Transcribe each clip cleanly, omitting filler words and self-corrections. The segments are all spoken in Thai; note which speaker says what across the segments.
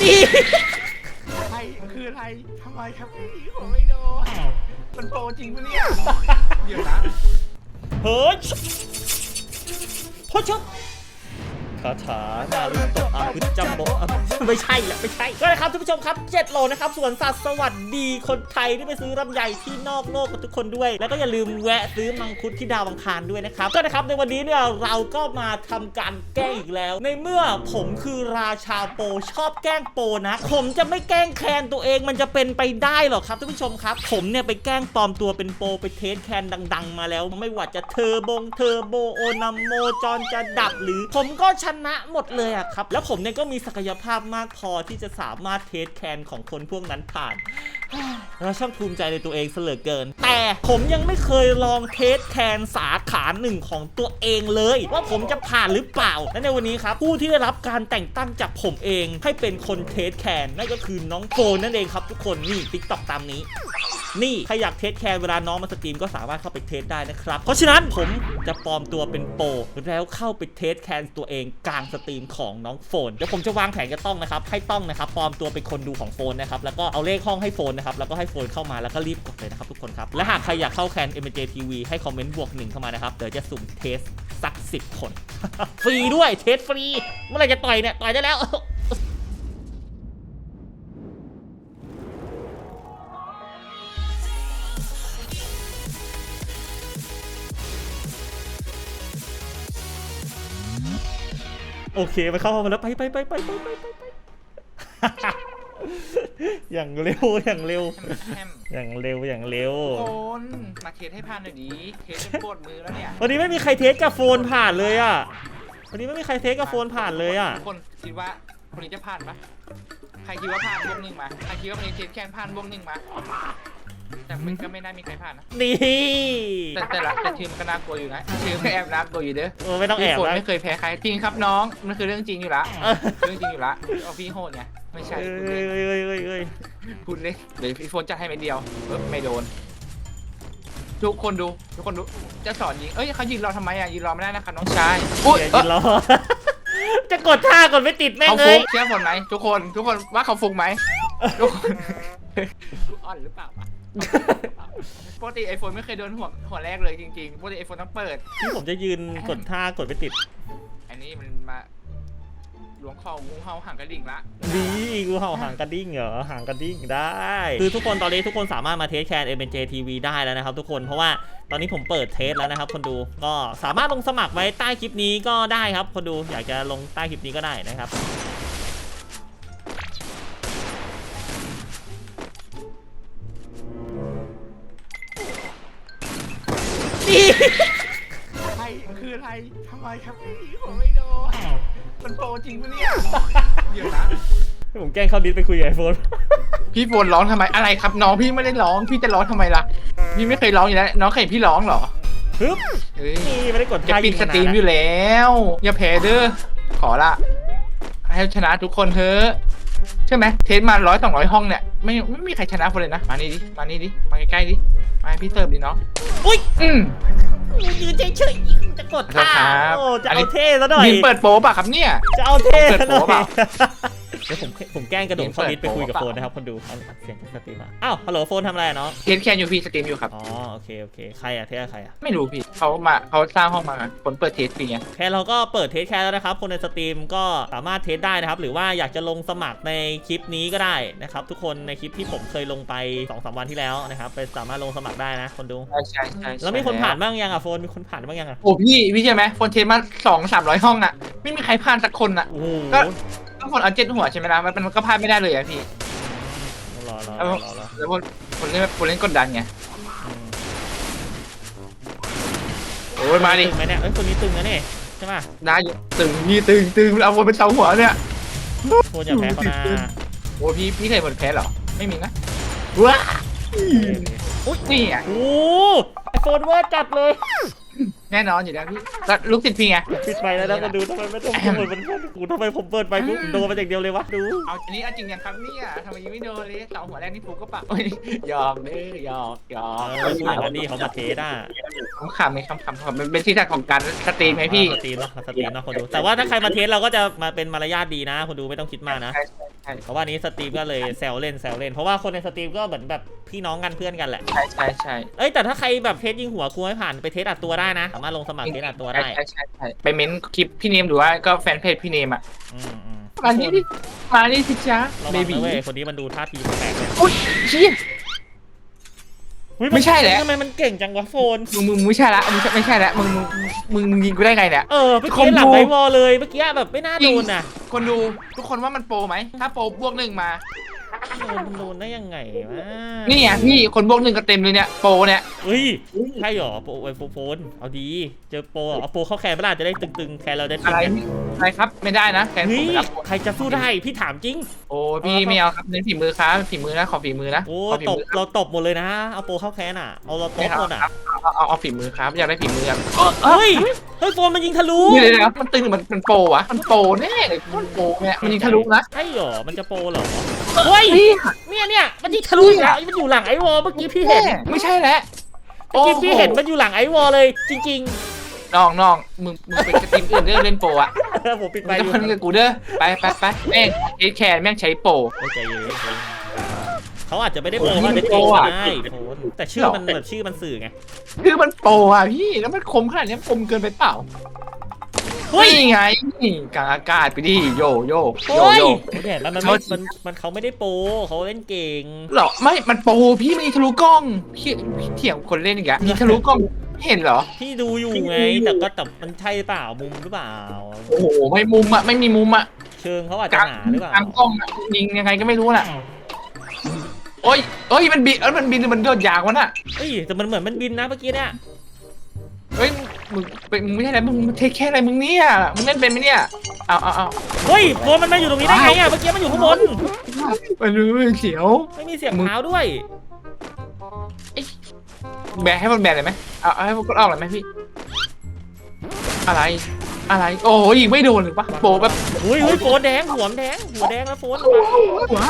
Speaker 1: ไทยคืออะไรทำไมครับพี่ผมไม่โดนมันโปรจริงปะเนี่ยเดี๋ยวนะ
Speaker 2: เฮ้ยพ่อชอบคาถานารุโตะอาบุจัมโบไม่ใช่แหละไม่ใช่ก็นะครับทุกผู้ชมครับ7 โลนะครับสวนสัตว์สวัสดีคนไทยที่ไปซื้อลำไยที่นอกโลกกับทุกคนด้วยแล้วก็อย่าลืมแวะซื้อมังคุดที่ดาวอังคารด้วยนะครับก็นะครับในวันนี้เนี่ยเราก็มาทำการแกล้งอีกแล้วในเมื่อผมคือราชาโปชอบแกล้งโปนะผมจะไม่แกล้งแคนตัวเองมันจะเป็นไปได้หรอครับทุกผู้ชมครับผมเนี่ยไปแกล้งปลอมตัวเป็นโปไปเทสแคนดังๆมาแล้วไม่ว่าจะเทอร์โบโอนัมโมจอนจะดับหรือผมก็ชนะหมดเลยอะครับแล้วผมเนี่ยก็มีศักยภาพมากพอที่จะสามารถเทสแคนของคนพวกนั้นผ่านเราช่างภูมิใจในตัวเองเสลือเกินแต่ผมยังไม่เคยลองเทสแคนสาขาหนึ่งของตัวเองเลยว่าผมจะผ่านหรือเปล่าและในวันนี้ครับผู้ที่ได้รับการแต่งตั้งจากผมเองให้เป็นคนเทสแคนนั่นก็คือน้องโฟนนั่นเองครับทุกคนนี่ TikTok ตามนี้นี่ใครอยากเทสแคนเวลาน้องมาสตรีมก็สามารถเข้าไปเทสได้นะครับเพราะฉะนั้นผมจะปลอมตัวเป็นโปรแล้วเข้าไปเทสแคนตัวเองกลางสตรีมของน้องโฟนเดี๋ยวผมจะวางแผนกับต้องนะครับให้ต้องนะครับปลอมตัวเป็นคนดูของโฟนนะครับแล้วก็เอาเลขห้องให้โฟนนะครับแล้วก็ให้โฟนเข้ามาแล้วก็รีบกดเลยนะครับทุกคนครับและหากใครอยากเข้าแคน MJ TV ให้คอมเมนต์+1เข้ามานะครับเดี๋ยวจะสุ่มเทสสัก10 คน ฟรีด้วยเทสฟรีเมื่อไหร่จะต่อยเนี่ยต่อยได้แล้วโอเคไปเข้ามาแล้วไปอย่างเร็วอย่างเร็ว
Speaker 1: โอนมาเทสให้ผ่านหน่อยดิเทสจนปวดมือแล้วเนี่ย
Speaker 2: วันนี้ไม่มีใครเทสกับโฟนผ่านเลยอ่ะวันนี้ไม่มีใครเทสกับโฟนผ่านเลยอ่ะ
Speaker 1: ทุกคนคิดว่าคนนี้จะผ่านปะใครคิดว่าผ่าน+1มาใครคิดว่าคนนี้เทสแคนผ่าน+1มาแต่มันก็ไม่น่ามีใครผ่านนะ
Speaker 2: นี่
Speaker 1: แต่ทีมมันก็น่ากลัวอยู่นะทีมก็แอบน่ากลัวอยู่เด้อ
Speaker 2: ไม่ต้องแอบ
Speaker 1: นะไม่เคยแพ้ใครจริงครับน้องมันคือเรื่องจริงอยู่ละเรื่องจริงอยู่ละเอาพี่โหดไงไม่ใช่พูดเลยเดี๋ยวพี่โฟนจะให้เม็ดเดียวไม่โดนทุกคนดูจะสอนยิงเขายืนรอทำไมยืนรอไม่ได้นะครับน้องชาย
Speaker 2: ยืนรอจะกดท่ากดไม่ติดแม่งเลย
Speaker 1: เชื่อผมไหมทุกคนว่าเขาฟุกไหมทุกคนอ่อนหรือเปล่าปกติไอโฟนไม่เคยโดนหัวแรกเลยจริงๆปกติไอโฟนต้องเปิด
Speaker 2: ที่ผมจะยืนกดท่ากดไม่ติด
Speaker 1: อันนี้มันมาล้วงคองูเห่าห่างกระดิ่งละ
Speaker 2: ดีงูเห่าห่างกระดิ่งเหรอห่างกระดิ่งได้คือทุกคนตอนนี้ทุกคนสามารถมาเทสแคน MJ TV ได้แล้วนะครับทุกคนเพราะว่าตอนนี้ผมเปิดเทสแล้วนะครับคนดูก็สามารถลงสมัครไว้ใต้คลิปนี้ก็ได้ครับคนดูอยากจะลงใต้คลิปนี้ก็ได้นะครับ
Speaker 1: ไทยคืออะไรทำไมครับพี่ผมไม่โดนมันโปรจริงปะเนี่ยเดี๋ยวนะ
Speaker 2: ผมแกล้งเข้าดิสไปคุยกับไอโฟน
Speaker 1: พี่โฟนร้องทำไมอะไรครับน้องพี่ไม่ได้ร้องพี่จะร้องทำไมล่ะพี่ไม่เคยร้องอยู่แล้วน้องเคยพี่ร้องเหรอ
Speaker 2: ฮึบนี่ไม่ได้กด
Speaker 1: จะปิดสตรีมอยู่แล้วอย่าแพ้เด้อขอละให้ชนะทุกคนเถอะใช่ไหมเทสมา100-200ห้องเนี่ยไม่มีใครชนะคนเลยนะมานี่ดิมาใกล้ๆดิมาให้พี่เติมดิเนาะ
Speaker 2: อุ้ยยืนเฉยๆจะกดท่าโอ้จะเอาเท่ซะหน่อย
Speaker 1: ยินเปิดโป๊ป่ะครับเนี่ย
Speaker 2: จะเอาเท่ซะหน่อยเดี๋ยวผมแกล้งกระโดดเข้าดิสไปคุยกับโฟนนะครับคนดูเอาเสียงจากสตรีมมาอ้าวฮัลโหลโฟนทำอะไรเนาะ
Speaker 1: เทสแคนอยู่พี่สตรีมอยู่ครับ
Speaker 2: อ๋อโอเคใครอะเทสใครอะ
Speaker 1: ไม่รู้พี่เขาสร้างห้องมาคนเปิดเทสฟรีไง
Speaker 2: แค่เราก็เปิดเทสแค่แล้วนะครับคนในสตรีมก็สามารถเทสได้นะครับหรือว่าอยากจะลงสมัครในคลิปนี้ก็ได้นะครับทุกคนในคลิปที่ผมเคยลงไป 2-3 วันที่แล้วนะครับไปสามารถลงสมัครได้นะคนดู
Speaker 1: ใช่
Speaker 2: แล้วมีคนผ่านบ้างยังอะโฟนมีคนผ่านบ้างยังอะ
Speaker 1: โอ้พี่ใช่ไหมคนเทสมา200-300ห้องอะไม่มีใครผ่านสักคนอะก็คนเอา7 หัวใช่ไหมล่ะมันก็พลาดไม่ได้เลยอะพี่
Speaker 2: รอ
Speaker 1: แล้วคนเล่นกดดันไงโอ้ยมาดิ
Speaker 2: ตึงไหมเนี่ยคนนี้ตึงนะเนี่ยใช่ป่ะ
Speaker 1: ได้ตึงนี่ตึงเอาวนเป็นเสาหัวเนี่ย
Speaker 2: โคตรอย่าแพ้เขานะ
Speaker 1: โอ้พี่เคยหมดแพ้เหรอไม่มีนะว้าอุ๊ยนี่อ่ะ
Speaker 2: โอ้ไอโฟนเวอร์จัดเลย
Speaker 1: แน่นอนอยู่แล้วพี่ลูกติดพี่ไง
Speaker 2: ปิดไฟแล้วนะมาดูทำไมไม่ต้องเปิดมันกูทำไมผมเปิดไฟกูโดนมาจากเดียวเลยวะดู
Speaker 1: เอาอันนี้จริงยังครับเนี่ยทำไมยังไม่โดนเลยเสาหัวแรกนี่ถูกก็ปะยอมเด้อยอม
Speaker 2: นี่เขามาเทสอ่ะ
Speaker 1: คำมันเป็นที่ทางของการสตรีมไหมพี่
Speaker 2: สตรีมเนาะคนดูแต่ว่าถ้าใครมาเทสเราก็จะมาเป็นมารยาทดีนะคนดูไม่ต้องคิดมากนะ
Speaker 1: ช่
Speaker 2: เพราะว่านี้สตรีมก็เลยแซวเล่นเพราะว่าคนในสตรีมก็เหมือนแบบพี่น้องกันเพื่อนกันแหละ
Speaker 1: ใช่
Speaker 2: เอ้ยแต่ถ้าใครแบบเทสยิงหัวครูไม่ผ่านไปเทสอัดตัวได้นะสามารถลงสมัครเทสอัดตัวได้
Speaker 1: ใช่ไปเม้นคลิปพี่เนมหรือว่าก็แฟนเพจพี่เนมอ่ะ
Speaker 2: อืม
Speaker 1: มานี่ดิมานี่สิจ๊ะ
Speaker 2: ระ
Speaker 1: เบ
Speaker 2: วัง
Speaker 1: บี
Speaker 2: นะเว้ยคนนี้มันดูท่าทีแปลกๆเลย
Speaker 1: อุ้ยเชี่ย
Speaker 2: อุ๊ย
Speaker 1: ไม่ใช่แหละ
Speaker 2: ทำไมมันเก่งจังวะโฟน
Speaker 1: มึงไม่ใช่ละมึงไม่ใช่ละมึงยิงกูได้ไงเนี่ย
Speaker 2: เมื่อกี้หลังไอวอลเลยเมื่อกี้แบบไม่น่าโดนน่ะ
Speaker 1: คนดูทุกคนว่ามันโปรไหมถ้าโปรบวกหนึ่งมา
Speaker 2: มันโดนได้ยังไงวะ
Speaker 1: นี่ไงพี่คนบวกหนึ่งก็เต็มเลยเนี่ยโปรเนี่ย
Speaker 2: เฮ้ยใช่หรอโปรไอโฟนเอาดีเจอโปรเอาโปรเข้าแคนเวลาจะได้ตึงๆแคนเราได้
Speaker 1: อะไรครับไม่ได้นะแฟนผ
Speaker 2: เฮ้
Speaker 1: ม
Speaker 2: ย
Speaker 1: ไม่รับ
Speaker 2: ใครจะสู้ได้พี่ถามจริง
Speaker 1: โอ้พี่ไม่เอาครับเน้นฝีมือครับฝีมือนะขอฝีมือนะ
Speaker 2: โอ้
Speaker 1: ขอฝี
Speaker 2: ตบ
Speaker 1: มือ
Speaker 2: เราตบหมดเลยนะเอาโปรเข้าแคนอ่ะเอาเราตบหมดอ่ะ
Speaker 1: เอาฝีมือครับอยากได้ฝีมือครับ
Speaker 2: เฮ้ยโฟนมันยิงทะลุ
Speaker 1: นี่เลยนะครับมันตึงหรือมันโปรวะมันโปรแน่เลยมันโปรเนี่ยมันยิงทะลุนะ
Speaker 2: ใช่หรอมันจะโปรเหรอเฮ้ยเนี่ยมันยิงทะลุอีกแล้วมันอยู่หลังไอวอลเมื่อกี้พี่เห็น
Speaker 1: ไม่ใช่แล้ว
Speaker 2: เมื่อกี้พี่เห็นมันอยู่หลังไอวอลเลยจริง
Speaker 1: น้องมึงไปกระติมอื่นเรื่องเล่นโปรอะ
Speaker 2: ๆผมปิด
Speaker 1: มึ
Speaker 2: ไป
Speaker 1: ง
Speaker 2: อ
Speaker 1: จะ
Speaker 2: ยู่
Speaker 1: พันกับกูเด้อไปแม่งเอแคนแม่งใช้โปร
Speaker 2: ไม่ใจเย็นเขาอาจจะไม่ได้โปรว่าจะเก่งก็ได้โฟนแต่ชื่อมันแบบชื่อมันสื่อไง
Speaker 1: คือมันโปรอะพี่แล้วมันคมขนาดนี้คมเกินไปเปล่า
Speaker 2: เฮ้ย
Speaker 1: นี่ไงกลางอากาศไปดิโย
Speaker 2: โอ้ยเห็นแล้วมันเขาไม่ได้โปรเขาเล่นเก่ง
Speaker 1: หรอไม่มันโปรพี่มันยิงทะลุกล้องพี่เถียงคนเล่นอีกอะยิงทะลุกล้องเห็นเหรอ
Speaker 2: พี่ดูอยู่ไงแต่มันใช่เปล่ามุมหรือเปล่า
Speaker 1: โอ้โหไม่มุมอะไม่มีมุมอะ
Speaker 2: เชิงเขาอาจจะหนาหรือเปล่าก
Speaker 1: ลางกล้องอะยิงยังไงก็ไม่รู้น่ะโอ้ยมันบินมันบินหรือมันโดดยางวะน่ะ
Speaker 2: เฮ้ยแต่มันเหมือนมันบินนะเมื่อกี้เนี่ย
Speaker 1: เฮ้ยมึงไม่ใช่อะไรมึงเทคแค่อะไรมึงเนี่ยมึงเล่นเป็นไหมเนี่ยเอา
Speaker 2: เฮ้ยโฟนมันมาอยู่ตรงนี้ได้ไงอ่ะเมื่อกี้มันอยู่ข้างบน
Speaker 1: มันรู้เสียว
Speaker 2: ไม่มีเสียงเท้าด้วย
Speaker 1: แบนให้มันแบนเลยไหมเอาให้มันกดออกเลยไหมพี่อะไรโอ้ยยิงไม่โดนหรือปะโปแบบ
Speaker 2: เฮ้ยโฟนแดงหัวแดงแล้วโฟน
Speaker 1: ว้าย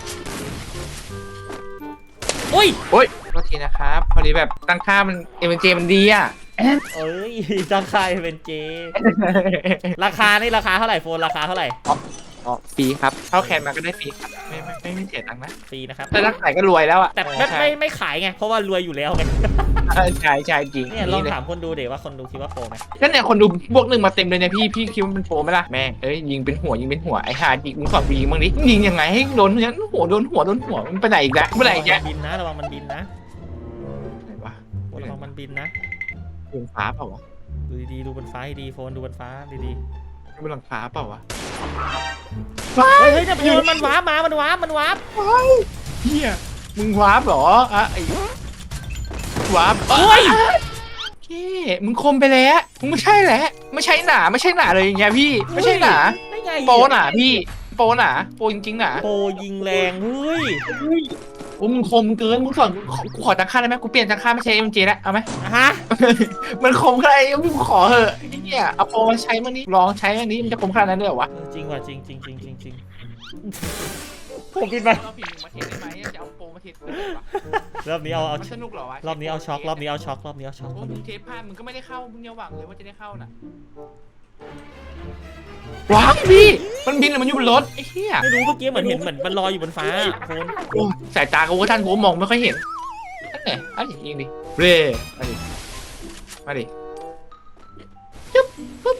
Speaker 2: โอ้ย
Speaker 1: โทษทีนะครับพอดีแบบตั้งค่ามันเอ็มเจมันดีอ่ะ
Speaker 2: เอ้ยจังคายเป็นเจ ราคาเท่าไหร่โฟนราคาเท่าไหร่
Speaker 1: อ๋อฟรีครับเข้าแคนมาก็ได้ฟรีครับไม่เสียตังค์นะ
Speaker 2: ฟรีนะครับ
Speaker 1: แต่ถ้าขายก็รวยแล้วอ่ะ
Speaker 2: แต่ไม่ขายไงเพราะว่ารวยอยู่แล้วไง
Speaker 1: ใช่จริง
Speaker 2: เนี่ยลองถามคนดูเดี๋ยวว่าคนดูคิดว่าโปรไหม
Speaker 1: ก็เนี่ยคนดูบวกหนึ่งมาเต็มเลยเนี่ยพี่คิดว่ามันโปรไหมล่ะแม่งยิงเป็นหัวไอ้ห่ายิงมึงสอนยิงบ้างดิยิงยังไงให้โดนอย่างหัวโดนหัวมันไปไหนอีกแล้วเมื่อไหร่อีกแล้ว
Speaker 2: บินนะระวังมันบินนะ
Speaker 1: ไหนวะ
Speaker 2: ระวังมันบินนะ
Speaker 1: บนฟ้าเปล่าวะ
Speaker 2: ดูดีๆดูบนฟ้าดีโฟนดูบนฟ้าดี
Speaker 1: บนหลังฟ้าเปล่าวะ
Speaker 2: ๆเฮ้ยเนี่ยมันวาร์ปมามันวาร์ป
Speaker 1: เฮียมึงวาร์ปเหรอไอ้วาร์ป
Speaker 2: เฮ้ย
Speaker 1: โอเคมึงคมไปแล้วมึงไม่ใช่แหละไม่ใช่หนาเลยอย่างเงี้ยพี่ไม่ใช่หนา
Speaker 2: ได้ไง
Speaker 1: โปหนาพี่โปหนาโปจริงๆหนา
Speaker 2: โปรยิงแรงเฮ้ย
Speaker 1: โอ้มึงคมเกินมึงสอนกูขอตั้งค่าได้ไหมกูเปลี่ยนตั้งค่าไม่ใช่ MJ แล้วเอาไหม
Speaker 2: ฮะ
Speaker 1: มันคมขนาดนี้มึงขอเหอะไอ้เนี่ยเอาโปรมาใช้มันนี้ลองใช้อันนี้มันจะคมขนาดนั้นเลยเหรอวะ
Speaker 2: จริงว่ะจริงผมบินไป
Speaker 1: เราผิดมาเทสได้ไหมจะเอาโปรมาเทส
Speaker 2: รอบนี้เอา
Speaker 1: มันสนุกเหรอวะ
Speaker 2: รอบนี้เอาช็อก
Speaker 1: โอ้มึงเทสพลาดมึงก็ไม่ได้เข้ามึงอย่าหวังเลยว่าจะได้เข้าน่ะว้าวพี่มันบินหรือมันอยู่บนรถไอ้เหี้ย
Speaker 2: ไม่รู้เมื่อกี้เหมือนเห็นเหมือนมันลอยอยู่บนฟ้าโฟน
Speaker 1: โอ้สายตากูว่าท่านกูมองไม่ค่อยเห็นนั่นไงอันนี้ยิงดิเร่มาดิจุ๊บปุ๊บ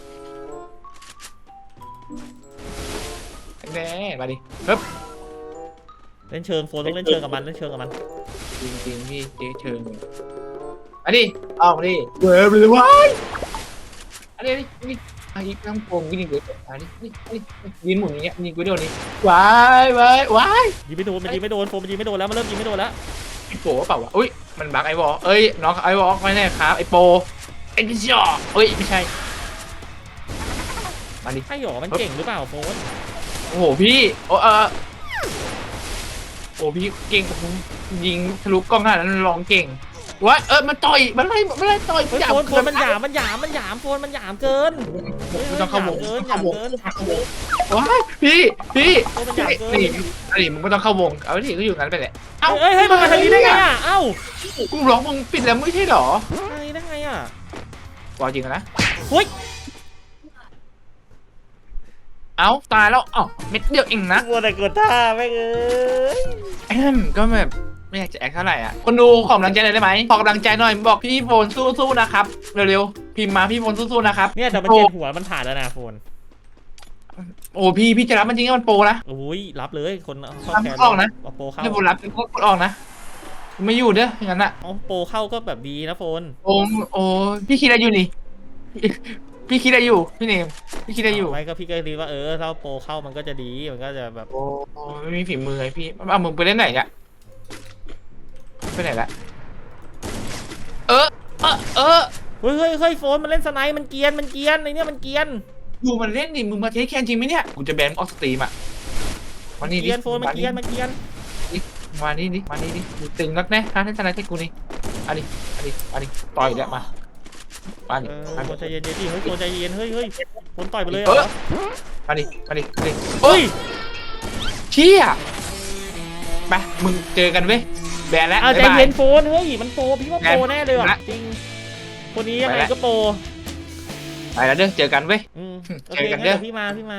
Speaker 1: แน่มาดิปึ๊บ
Speaker 2: เล่นเชิงโฟนต้องเล่นเชิงกับมัน
Speaker 1: จริงพี่เจ๊เชิงอันนี้เอาดิเว้ยไปเลยวะอันนี้นี่ไอ้น้ำโป่งกินอีกเลยอันนี้นี่ยืนหมุนอย่างเงี้ยยิงกูโดนนี่ว้าย
Speaker 2: ยิงไม่โดนมันยิงไม่โดนโฟนมันยิงไม่โดนแล้วมันเริ่มยิงไม่โดนแล้ว
Speaker 1: ไอ้โปเปล่าวะอุ้ยมันบักไอ้วอเอ้ยน้องไอ้วอไม่แน่ครับไอ้โปไอ้ดิจ่อเอ้ยไม่ใช่มาดิ
Speaker 2: ใช่หรอมันเก่งหรือเปล่าโฟน
Speaker 1: โอ้โหพี่โอ้โอ้พี่เก่งยิงทะลุกล้องขนาดนั้นลองเก่งวะมันต่อยมันไล่ต่อย
Speaker 2: โฟนมันหยามโฟนมันหยามเกิน
Speaker 1: มันต้องเข้าวง
Speaker 2: หยามเกิน
Speaker 1: ว้ายพี่
Speaker 2: โฟนมันหยามเกิน
Speaker 1: นี่มึงไม่ต้องเข้าวงเอาดิก็อยู่งั้นไปแหละ
Speaker 2: เฮ้ยมันมาทางนี้ได้ไงอ่ะเอ้า
Speaker 1: กูร้องมึงปิดแล้วไม่ใช่หรอ
Speaker 2: ได้ไงอ่ะ
Speaker 1: บอกจริงนะ
Speaker 2: เฮ้ย
Speaker 1: เอ้าตายแล้วอ๋อเม็ดเดียวเองนะ
Speaker 2: มัวแต่กดท่าไม่เอ้ย
Speaker 1: ก็แบบไม่อยากจะแอคเท่าไหร่อ่ะคนดูขอกำลังใจหน่อยได้ไหมขอกำลังใจหน่อยบอกพี่โฟนสู้ๆนะครับเร็วๆพิมพ์มาพี่โฟนสู้ๆนะครับ
Speaker 2: เนี่ยแต่มันเจ็บหัวมันผ่านแล้วนะโฟน
Speaker 1: โอ้พี่จะรับมันจริงๆมันโปรนะ
Speaker 2: โอ้ยรับเลยคนเข้า
Speaker 1: รับ
Speaker 2: แคน
Speaker 1: ออกนะ
Speaker 2: เอาโปรเข้า
Speaker 1: ไม่โฟนรับกดออกนะไม่อยู่เด้ออย่างนั้นอ่ะ
Speaker 2: เอาโปรเข้าก็แบบดีนะโฟน
Speaker 1: โอ้พี่คิดอะไรอยู่นี่ พี่คิดอะไรอยู่พี่เนมพี่คิดอะไรอยู่
Speaker 2: ไม่ก็พี่ก็ดีว่าถ้าโปรเข้ามันก็จะดีมันก็จะแบบ
Speaker 1: โอ้ไม่มีฝีมือไงพี่เอามึงไปเล่นไหนเนี่ยไปไหนละเออ
Speaker 2: เฮ้ยโฟนมันเล่นสไนป์มันเกรียนไอเนี่ยมันเกรียน
Speaker 1: ดูมันเล่นดิมึงมาเทสแคนจริงไหมเนี่ยกูจะแบนออกสตรีมอ่ะมานี่
Speaker 2: เก
Speaker 1: ดิ
Speaker 2: รียนโฟนมันเกรียน มานี่
Speaker 1: ดิกูตึงนักแน่ฮะเล่นสไนเทคกูนี่อันนี้ต่อยแล้วมาดิ
Speaker 2: โฟนใจเย็นดิเฮ้ยโฟนใจเย็นเฮ้ยโฟนต่อยไปเลย
Speaker 1: มาดิเฮ้ยเชี่ยไปมึงเจอกันเว้ยแบนแล้ว
Speaker 2: ใจเย็นโฟนเฮ้ยมันโปรพี่ว่าโปรแน่เลยว่ะจริงคนนี้ยังไงก็โปร
Speaker 1: ไปแล้วเด้อเจอกันเว้ย
Speaker 2: โอเคงั้นเดี๋ยวพี่มา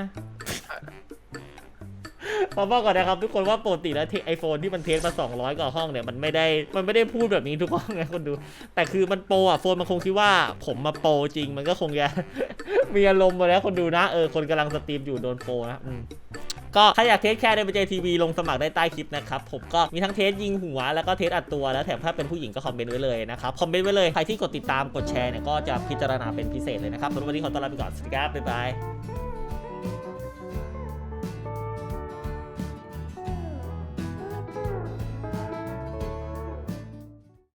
Speaker 2: ขอบอกก่อนนะครับทุกคนว่าปกติแล้วไอโฟนที่มันเทสมา200กว่าห้องเนี่ยมันไม่ได้พูดแบบนี้ทุกห้องไงคนดูแต่คือมันโปรอ่ะโฟนมันคงคิดว่าผมมาโปรจริงมันก็คงจะ มีอารมณ์มาแล้วคนดูนะคนกำลังสตรีมอยู่โดนโปรนะก็ถ้าอยากเทสแค่ในBJ TVลงสมัครได้ใต้คลิปนะครับผมก็มีทั้งเทสยิงหัวแล้วก็เทสอัดตัวแล้วแถมถ้าเป็นผู้หญิงก็คอมเมนต์ไว้เลยนะครับคอมเมนต์ไว้เลยใครที่กดติดตามกดแชร์เนี่ยก็จะพิจารณาเป็นพิเศษเลยนะครับสำหรับวันนี้ขอต้อนรับไปก่อนสวัสดีครับบ๊ายบาย